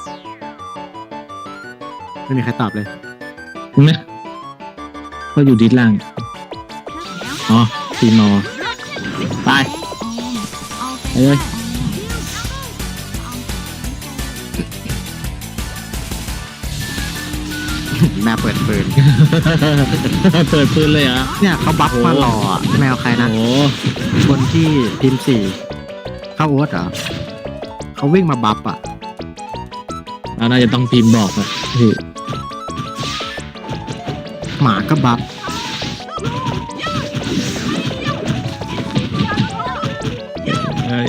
ไม่มีใครตอบเลยนะก็อยู่ดิสล่างอ๋อทีมอไปไปเลยแมวเปิดปืนเปิดปืนเลยเหรอเนี่ยเขาบัฟมารออะแมวใครนะโอ้คนที่ทีม4เข้าโอ๊ตเหรอเขาวิ่งมาบัฟอ่ะเราน่าจะต้องพิมพ์บอกอะพี่หมาก็บัฟเอ้ย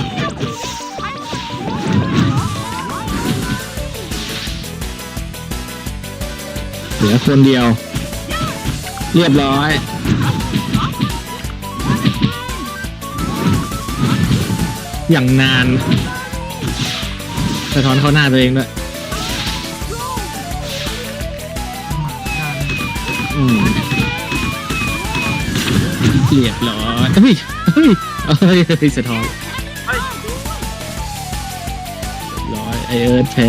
เหลือคนเดียว เรียบร้อย อย่างนานสะท้อนเข้าหน้าตัวเองด้วยเรียบร้อยเฮ้ยเฮ้ยเฮ้ยสะท้อนเรียบร้อยไอเอิร์ธแพ้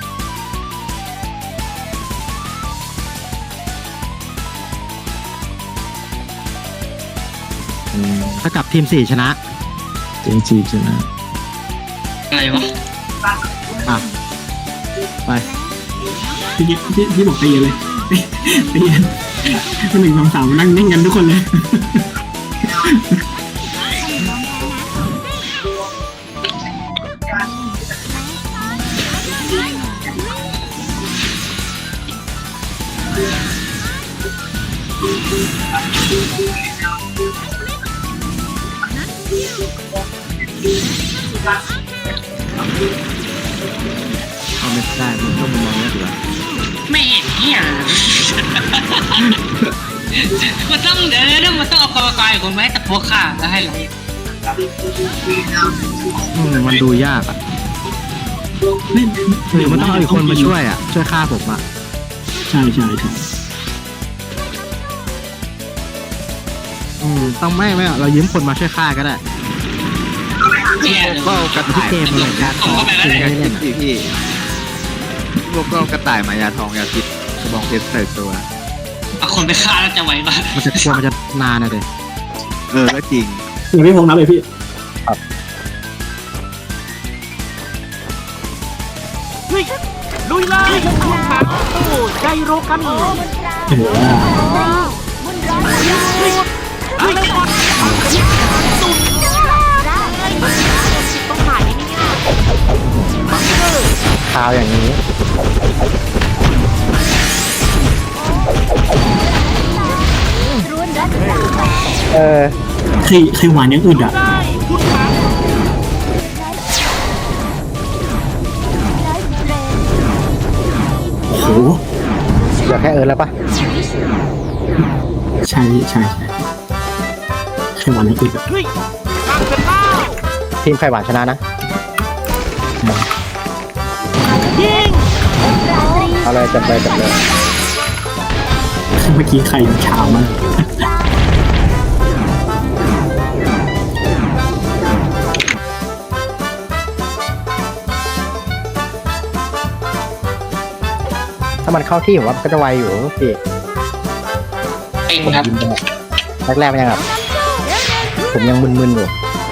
ถ้ากับทีม4ชนะเจนจีชนะอะไรวะอ่ะไปพี่บอกตีเลยตีมัน1 2 3มานั่งนิ่งกันทุกคนเลยเอาไม่ได้มันต้องมองเนี่ยดีกว่าไม่เห็นเนี่ยมันต้องเดี๋ยวมันต้องเอากรรมการคนไหมแต่พวกข้าแล้วให้เรามันดูยากอ่ะหรือมันต้องเอาอีกคนมาช่วยอ่ะช่วยฆ่าผมอ่ะใช่ต้องไม่เรายืมคนมาช่วยฆ่าก็ได้เนี่ยก็กระที่เกมอะไรกันส่งเข้าไปแล้วไม่เนี่ยได้เล่นพี่พวกก็กระต่ายมายาทองยาพิษกระบองเพชรใส่ตัวเอาคนไปฆ่าแล้วจะไหวปะมันจะกลัวมันจะนานนะเด็ก็จริงอย่างพี่พงษ์นับเลยพี่ลุยเลยใจโรกันข่าวอย่างนี้คือหวานยังอึดอ่ะโอ้โหเหลือแค่แล้วปะใช่คือหวานยังอึดอ่ะทีมไข่หวานชนะนะเอาเลยจับเลยเมื่อกี้ใครเช้ามากถ้ามันเข้าที่ผมว่าก็จะไวอยู่พี่เองครับแรกๆมันยังแบบผมยังมึนๆอยู่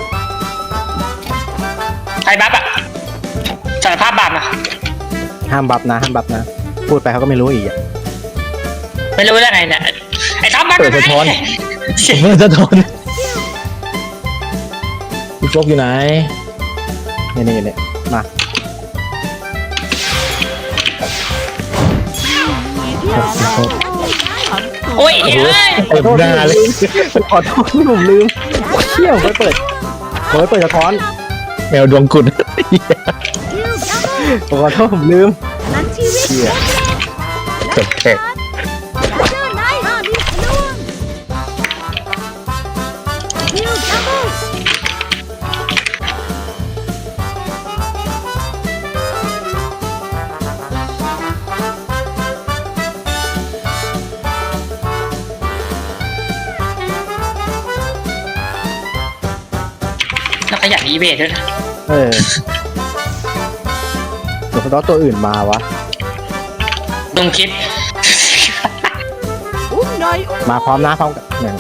ใครบัฟอ่ะสารภาพบาปนะห้ามบัฟนะพูดไปเขาก็ไม่รู้อีกไม่รู้ได้ไงเนี่ยไอ้ท็อปบัฟเปิดสะท้อนเปิดสะท้อนพี่โฟกอยู่ไหนนี่มาโอ้ยเฮ้ยเปิดหน้าเลยขอโทษที่ผมลืมเชี่ยวไปเปิดสะท้อนแมวดวงกุดขอโทษผมลืมนั้นชีวิตเชี่ยจบแขกเชื่อนายมีล่วงนิวดับเบิลแล้วขยันอีเบทด้วยนะสแล้วตัวอื่นมาวะต้องคิดอุ้มหน่อยมาพร้อมนะพร้อมกันหนึ่ง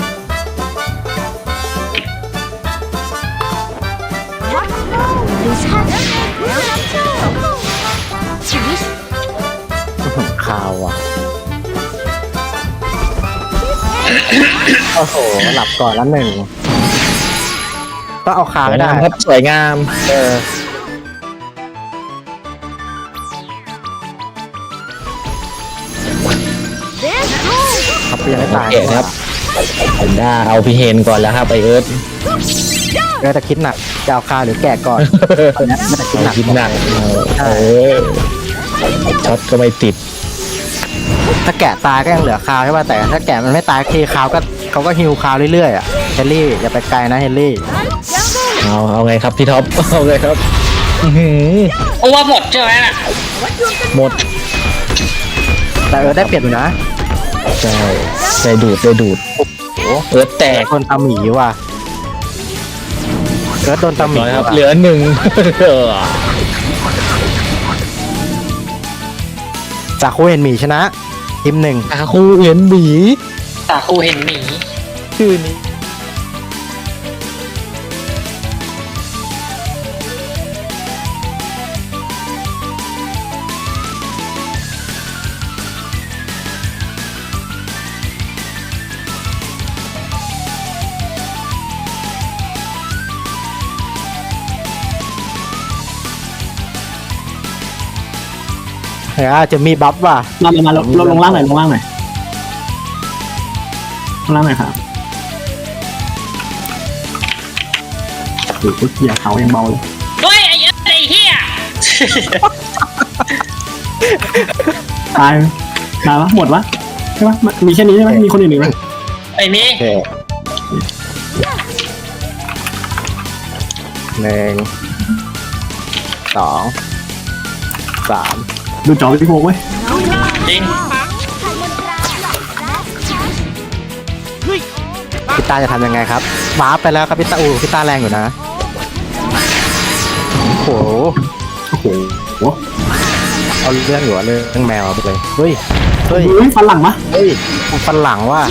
วัดโลดิฉันแล้วรับโชคชีวิตข่าวอ่ะโอ้โหหลับก่อนแล้วหนึ่งต้องเอาขาสวไม่ยได้งามครับสวยงามเออเดสโกครับยังไม่ตายโอเคครับ ผมได้เอาพี่เฮนก่อนแล้วครับไอเอิร์ธเออแต่คิดหนักจะเอาคาหรือแกะก่อนตอนนี้ไม่ได้คิดหนักคิดหนักเออช็อตก็ไม่ติดถ้าแกะตายก็ยังเหลือคาวใช่ป่ะแต่ถ้าแกะมันไม่ตายทีคาวก็เขาก็ฮิวคาวเรื่อยๆอ่ะเฮนรี่อย่าไปไกลนะเฮนรี่เอาไงครับพี่ท็อปเอาไงครับอื้อหือเพราะว่าหมดใช่ไหมน่ะหมดแต่ได้เปรียบอยู่นะใช่ได้ดูดเอิร์ธแตกโดนตาหมีว่ะเกิดโดนตาหมีน้อยครับว่ะเหลือหนึ่งจากคู่เห็นหมีชนะทีมหนึ่งอาคูเห็นหมีตาคูเห็นหมีชื่อนี้จะมีบัฟว่ะมาลงล่างหน่อยลงล่างหน่อยครับโอ้โหเหยียบเขายังเบาเลยด้วยไอ้เหี้ยไอ้เหี้ยตายปะหมดวะใช่ปะมีแค่นี้ใช่ไหมมีคนอื่นอีกไหมไอ้มีโอเคหนึ่งสองสามดูจอพี่โฟกไว้จริงไทยมนตราพี่ตาจะทำยังไงครับวาร์ปไปแล้วครับพี่ตาพี่ตาแรงอยู่นะโอ้โหโอ้โหเอาเรื่องอยู่อะเรื่องแมวเอาไปเลยเฮ้ยเฮ้ยฟันหลังปะเฮ้ยฟันหลังว่ะ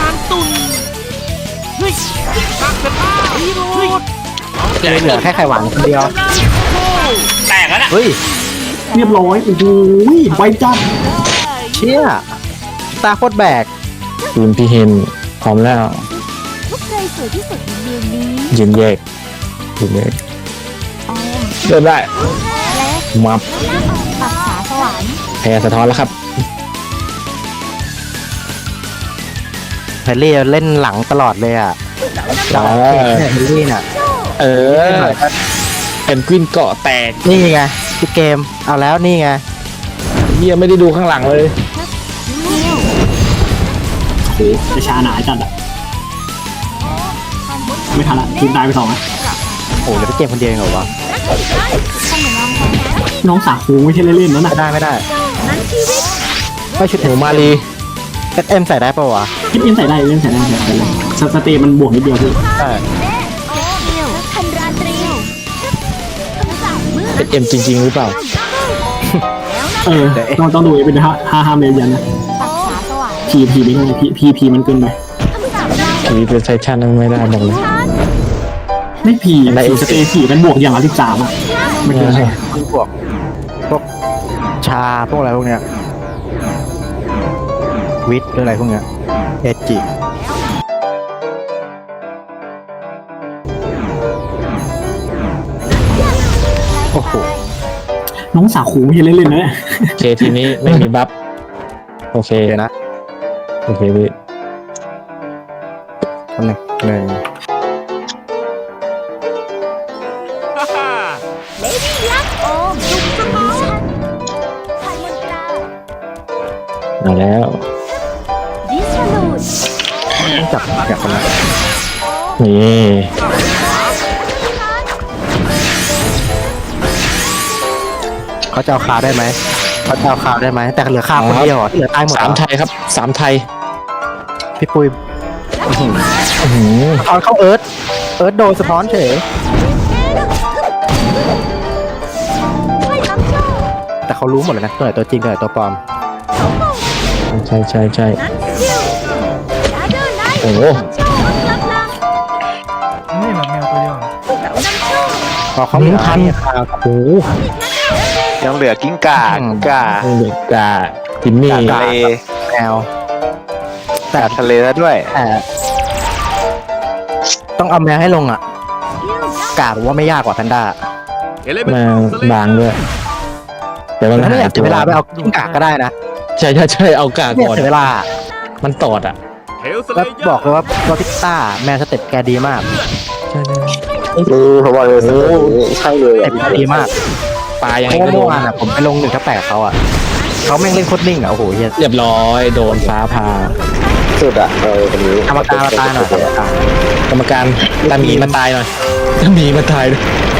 เหลือแค่ไข่หวานคนเดียวแตกแล้วน่ะเฮ้ยเรียบร้อยโอ้โหไวจัดเชี่ยตาโคตรแบกทีมพี่เฮนพร้อมแล้วทุกใครสวยที่สุดในเมืองนี้ยืนแยกออมเริ่มได้และมาปักษาสวรรค์แพ้สะท้อนแล้วครับเฮนรี่เล่นหลังตลอดเลยอ่ะจ้าเฮนรี่น่ะเออเป็นกวินเกาะแตกนี่ไงพี่เกมเอาแล้วนี่ไงเฮียไม่ได้ดูข้างหลังเลยเดียวโอ้โหจะชาหนาจัดอะไม่ทันละทีมตายไปสองอะโอ้เหลือพี่เกมคนเดียวเองเหรอวะขนมนมของนั้นน้องสาคูไม่ใช่เล่นๆนั่นน่ะไม่ได้นั้นชีวิตไม่ชุดหนูมาลีเอ็มใส่ได้ปะวะคิดเล่นใส่ได้เล่นใส่ได้สเตย์มันบวกนิดเดียวพี่ใช่เดียวคันราตรีคำสั่งเมื่อเป็นเอ็มจริงๆหรือเปล่าเออต้องดูเป็นห้าเมตรยันนะปักษาสวรรค์พีไม่ได้พีมันเกินไปคำสั่งเราทีวีเป็นไซชันไม่ได้บอกเลยฉันไม่พีสเตย์มันบวกอย่างละ13อ่ะไม่เกินไปพวกชาพวกอะไรพวกเนี้ยวิทหรืออะไรพวกเนี้ยเอจิโอ้โหน้องสาคูไม่ใช่เล่นๆนะเนี่ยโอเคทีนี้ไม่มีบัฟโอเคเดี๋ยวนะโอเคพี่อันหนึ่งเลดี้ยักษ์โอมจุกสมองฉันไทยมนตรามาแล้วดิสลูดต้องจับอย่างคนละนี่เขาจะเอาคาได้ไหมเขาจะเอาคาได้ไหมแต่เหลือคาคนเดียวเหรอที่เหลือตายหมดเหรสามอไทยครับสามไทยพี่ปุ้ยอื้อหือตอนเข้าเอิร์ธโดนสะท้อนเฉยไม่รับโชคแต่เขารู้หมดเลยนะตัวไหนตัวจริงตัวไหนตัวปลอมใช่ใช่ใช่นั้นคิวดาเดอร์ไนท์โอ้โหโชว์ลับลับนี่แบบแมวตัวเดียวเหรอเสานำโชคพอเขามีพันข่าวโอ้โหยังเหลือกิ้งก่ากิ้งก่าเด็กกาจิมมี่ทะเลแมวแต่ทะเลแล้วด้วยแต่ต้องเอาแมวให้ลงอ่ะกาบอกว่าไม่ยากกว่าแพนด้ามาบางด้วยแต่มันถ้าไม่อยากตัเสียเวลาไปเอากิ้งก่าก็ได้นะใช่ใช่ใช่เอากาไม่อยาก่กอนเสียเวลามันตอดอ่ะแล้วบอกเลยว่าพิกต้าแมวสเต็ปแกดีมากใช่ใช่เขาบอกเลยใช่เลยสเต็ปแกดีมากปลายังเพไงราะว่าก็โดเมื่อน วานอ่ะผมไปลง1-8เขาอ่ะเขาแม่งเล่นโคตรนิ่งอ่ะโอ้โหเฮียเรียบร้อยโดนฟ้าผ่าสุดอ่ะคนนี้กรรมการมาตายหน่อยกรรมการกรรมการตามีมาตายหน่อยตามีมาตายด้วย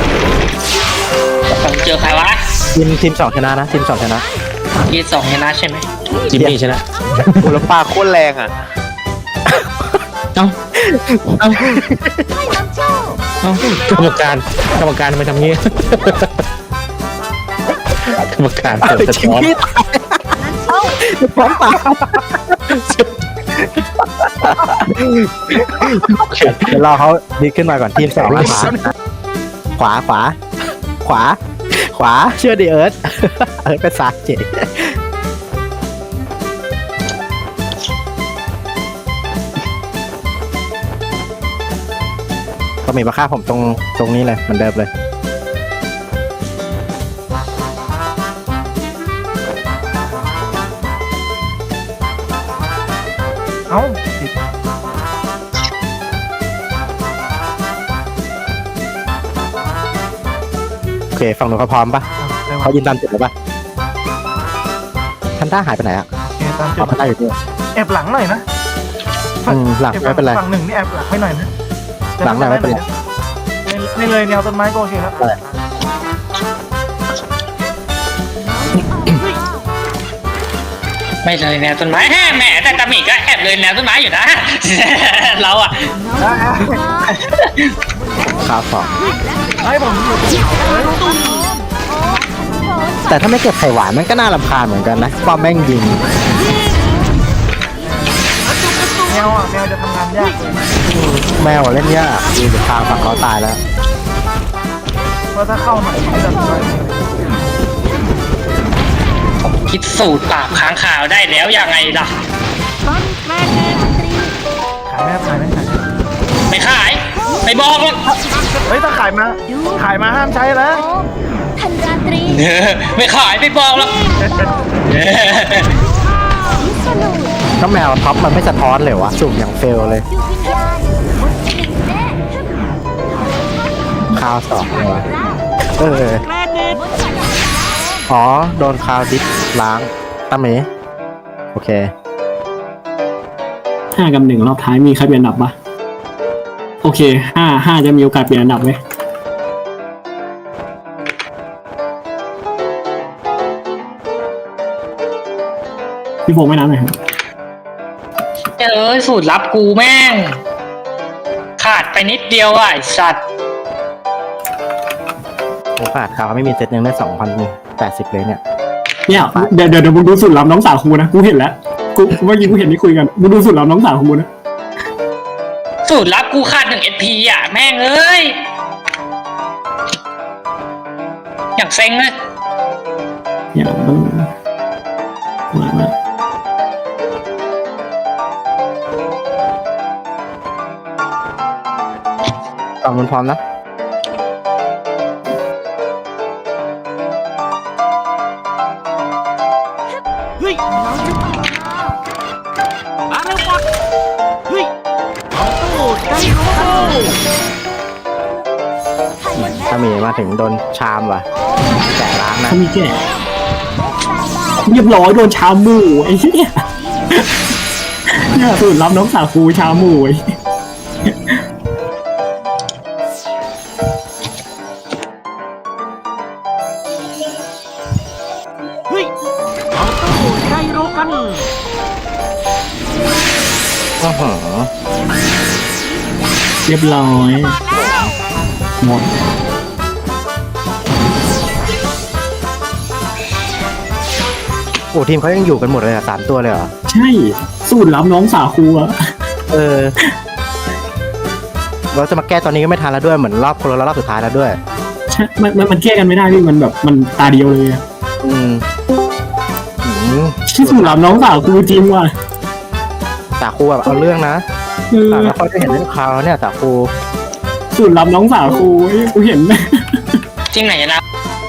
ผมเจอใครวะทีม2ชนะนะทีม2ชนะยีสองชนะใช่ไหมจิมมี่ชนะกูแล้วปลาโคตรแรงอ่ะเอ้าเอ้าให้นำโชคเอ้ากรรมการทำไมทำงี้ กรรมการเปิดสะท้อนพร้อมตาเดี๋ยวรอเขาดีขึ้นมาก่อนทีม2แล้วขวาเชื่อดิเอิร์ธเป็นซาเจก็มีมาฆ่าผมตรงนี้เลยเหมือนเดิมเลยเอ้าติดโอเคฝั่งหนูเขาพร้อมปะได้เขาวะยืนตามจุดแล้วปะทันด้าหายไปไหนอ่ะโอเคตามจุเอาดทันด้าอยู่นี่แอบหลังหน่อยนะหลังไม่เป็นไรฝั่งหนึ่งนี่แอบหลังให้หน่อยนะหลังหน่อยไม่เป็นไรไม่เลยแนวต้นไม้ก็โอเคครับไม่เลยแนวต้นไม้แหมแต่ตาหมีก็แอบเลยแนวต้นไม้อยู่นะ เราอ่ะข่าวสองให้ผมอยู่แต่ถ้าไม่เก็บไข่หวานมันก็น่ารำคาญเหมือนกันนะป้อมแม่งยิงแมวอ่ะแมวจะทำงานยากแมวอะเล่นยากดูจากทางฝั่งเขาตายแล้วเพราะถ้าเข้าหน่อยไม่จะไปผมคิดสูตรปราบค้างคาวได้แล้วยังไงล่ะบอลแมนเนตรีขายไหมขายไหมขายไม่ขายไม่บอกหรอกเฮ้ยถ้าขายมาห้ามใช้แล้วโอมทันราตรีไม่ขายไม่บอกหรอกวิสนุก็แมวท็อปมันไม่สะท้อนเลยวะสุ่มอย่างเฟลเลยยูวิญญาณมุสลิมแน่ข่าวสองเลยวะเออมุสลิมอ๋อโดนคาวดิสล้างตาเมโอเค 5-1รอบท้ายมีใครเปลี่ยนอันดับปะโอเค5จะมีโอกาสเปลี่ยนอันดับไหมพี่โฟไม่น้ำหน่อยครับสูตรลับกูแม่ง ขาดไปนิดเดียวอ่ะไอ้สัตว์โอกาสข่าวไม่มีเซตยังได้2,080เลยเนี่ยเนี่ยเดี๋ยวมึงดูสุดล้ำน้องสาวครูนะกูเห็นแล้วกูเมื่อกี้กูเห็นที่คุยกันมึงดูสุดล้ำน้องสาวครูนะสูตรลับกูขาด1 SP อ่ะแม่งเอ้ยอย่างเซ็งเลยเนี่ยมันมาตอนมันพร้อมนะ ถ้ามีมาถึงโดนชามว่ะแกะล้างนะเขามีแก่เรียบร้อยโดนชาหมูไอ้เหี้ยเนี่ยสุดล้ำน้องสาวครูชาหมูไอ้อื้อหือเรียบร้อยหมดอ้ทีมเขายังอยู่กันหมดเลยอ่ะ3 ตัวเลยเหรอใช่สูตรลับน้องสาวครูอะเออเราจะมาแก้ตอนนี้ก็ไม่ทันแล้วด้วยเหมือนรอบคนละรอบสุดท้ายแล้วด้วยใช่มันแก้กันไม่ได้พี่มันแบบมันตาเดียวเลยอะอืมอืมที่สูตรลับน้องสาวครูจริงว่ะตาครูแบบเอาเรื่องนะเออแต่ไม่ค่อยได้เห็นเรื่องคราวแล้วเนี่ยตาครูสูตรลับน้องสาวครูเฮ้ยกูเห็นจริงไหนนะ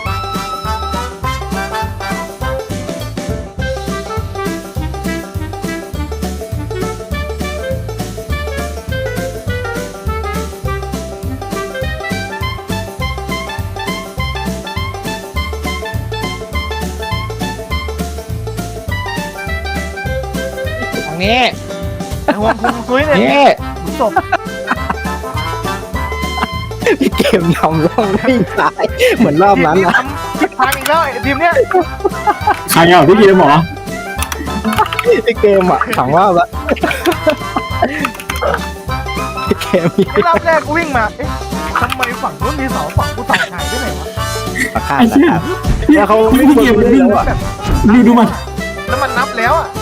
ทางนี้ไอ้หัวคุงซุยเนี่ยนี่จบพี่เกมนำร่องวิ่งตายเหมือนรอบนั้นนะทิศทางอีกแล้วไอ้ทีมเนี้ยใครอ่ะพี่เกมเหรอพี่เกมอ่ะถามว่าแบบพี่เกมมีไอ้รอบแรกกูวิ่งมาเอ๊ะทำไมฝั่งนู้นมีเสาฝั่งกูเสาหายไปไหนวะราคาไอ้เชี่ยแล้วเขาพี่เกมมันวิ่งอ่ะแบบดูมันแล้วมันนับแล้วอ่ะ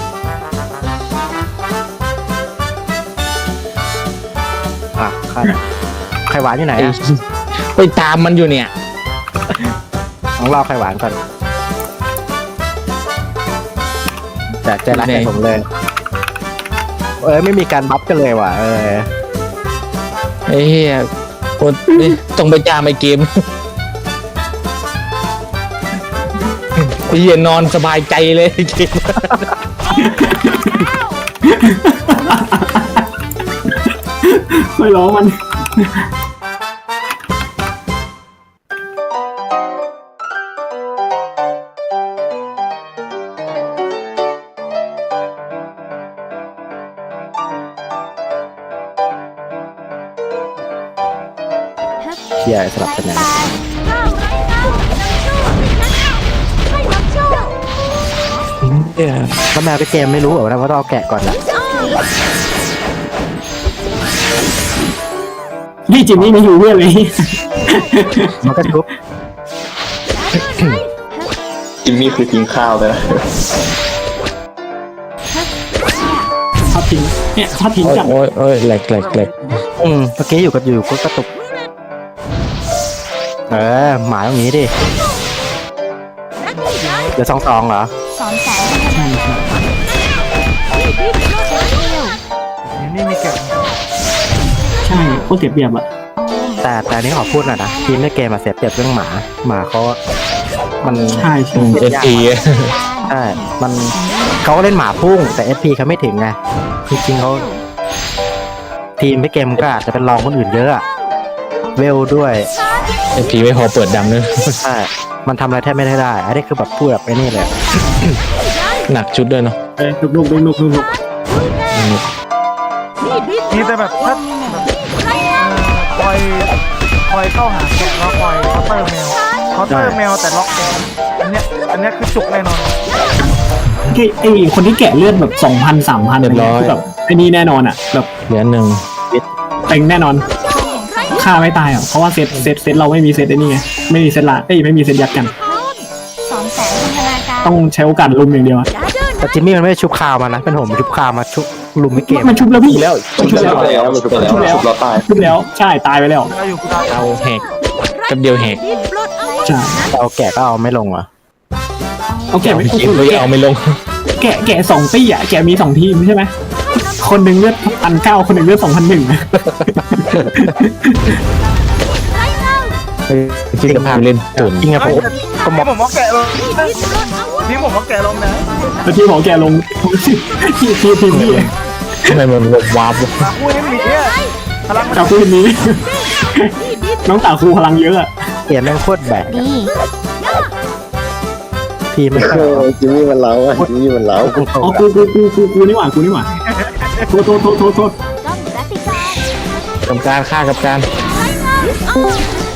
อ่ะไข่หวานอยู่ไหนไอ้อ่ะไปตามมันอยู่เนี่ยต้องรอไข่หวานก่อนแต่ใจรักใจผมเลย ไม่มีการบัฟกันเลยว่ะไอ้เหี้ยโอ้ยต้องไปจามไอ้เกมไอ้เหี้ยนอนสบายใจเลยไอ้เกมไม่ร้องมันเชียร์สลับกันนะ แล้วแมวพี่เกมไม่รู้เหรอว่าต้องเอาแกะก่อนนะพี่จิมมี่ไม่อยู่เพื่อนเลยมันก็ชุบจิมมี่คือทิ้งข้าวไปแล้วทอดทิ้งเนี่ยทอดทิ้งจับโอ้ยโอ้ยแหลกเมื่อกี้อยู่ก็กระตุกหมาตรงนี้ดิเดี๋ยว2-2เหรอใช่ใช่ทีมนี่มีเก็บใช่โคตรเสียเปรียบอะแต่อันนี้ขอพูดหน่อยนะทีมในเกมมาเสียเปรียบเรื่องหมาเขามันใช่ใช่เอฟพีใช่มันเขาก็เล่นหมาพุ่งแต่ SP เขาไม่ถึงไงจริงๆเขาทีมในเกมก็อาจจะเป็นรองคนอื่นเยอะอะเวลด้วยเอฟพีไม่พอเปิดดำเลยใช่ มันทำอะไรแทบไม่ได้อันนี้คือแบบพูดแบบไอ้นี่เลยหนักชุดด้วยเนาะลุกมีแต่แบบถ้าคอยเข้าหาแกะแล้วคอยเคาน์เตอร์แมวแต่ล็อกแกะอันเนี้ยคือจุกแน่นอนไอ้คนที่แกะเลือดแบบ 2,000-3,000อะไรเงี้ยคือแบบไอ้นี่แน่นอนอะแบบเหลือหนึ่งเต็งแน่นอนฆ่าไม่ตายอ่ะเพราะว่าเซตเราไม่มีเซตไอ้นี่ไงไม่มีเซตละไม่มีเซตยัดกัน ต้องใช้โอกาสลุมอย่างเดียวอะแต่จิมมี่มันไม่ได้ชุบคาวมานะ เป็นผมชุบคาวมาชุบลุมไม่เกมมันชุบแล้วพี่แล้วชุบแล้วเราตายชุบแล้วใช่ตายไปแล้วเราอยู่กูได้เอาแหกแป๊บเดียวแหกใช่แต่เอาแกะก็เอาไม่ลงอ่ะเอาแกะไม่เกมเลยเอาไม่ลงแกะ2 ตี้อ่ะแกะมี2 ทีมใช่ไหมคนหนึ่งเลือด1,900คนหนึ่งเลือด2,100 จริงภาพเล่นตุ่นจริงอะผมทีมผมว่าแกะลงทีมผมว่าแกะลงนะแล้วที่ของแกลงทีมพี่ทำไมมันวาบมาคู่นี้มีเนี่ยพลังมันจากคู่นี้ น้องตาครูพลังเยอะอะเกมแม่งโคตรแบกดีทีมไม่ค่อยจิมมี่มันเล้าอ่ะจิมมี่มันเล้าอ๋อกูนี่หว่าโทษต้องรัติการกรรมการฆ่ากับการ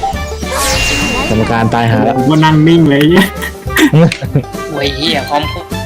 กรรมการตายหาแล้วก็นั่งนิ่งเลยเนี่ยโอ้ยเหี้ยพร้อมพูด